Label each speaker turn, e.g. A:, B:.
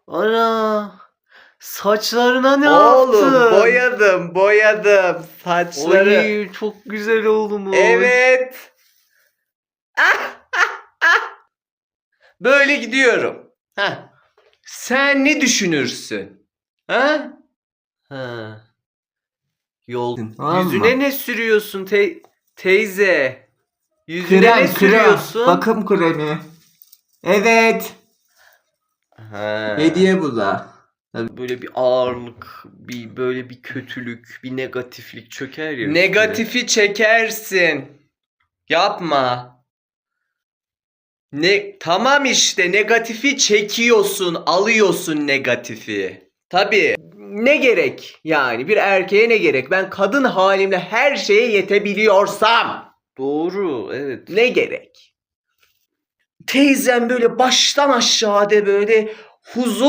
A: Ana! Saçlarına ne
B: Oğlum
A: yaptın?
B: boyadım saçları.
A: Oy, çok güzel olmuş.
B: Evet. Böyle gidiyorum. Heh. Sen ne düşünürsün? Ha?
A: Ha. Yol.
B: Tamam
A: Yüzüne
B: mı?
A: ne sürüyorsun teyze? Yüzüne ne
B: Krem.
A: sürüyorsun?
B: Bakım kremi. Evet.
A: Ha.
B: Hediye bu da.
A: Böyle bir ağırlık, böyle bir kötülük, bir negatiflik çöker ya üstüne.
B: Negatifi çekersin. Yapma. Tamam işte negatifi çekiyorsun, alıyorsun negatifi. Tabii. Ne gerek yani bir erkeğe ne gerek? Ben kadın halimle her şeye yetebiliyorsam
A: Doğru, evet.
B: ne gerek? Teyzem böyle baştan aşağıda böyle huzur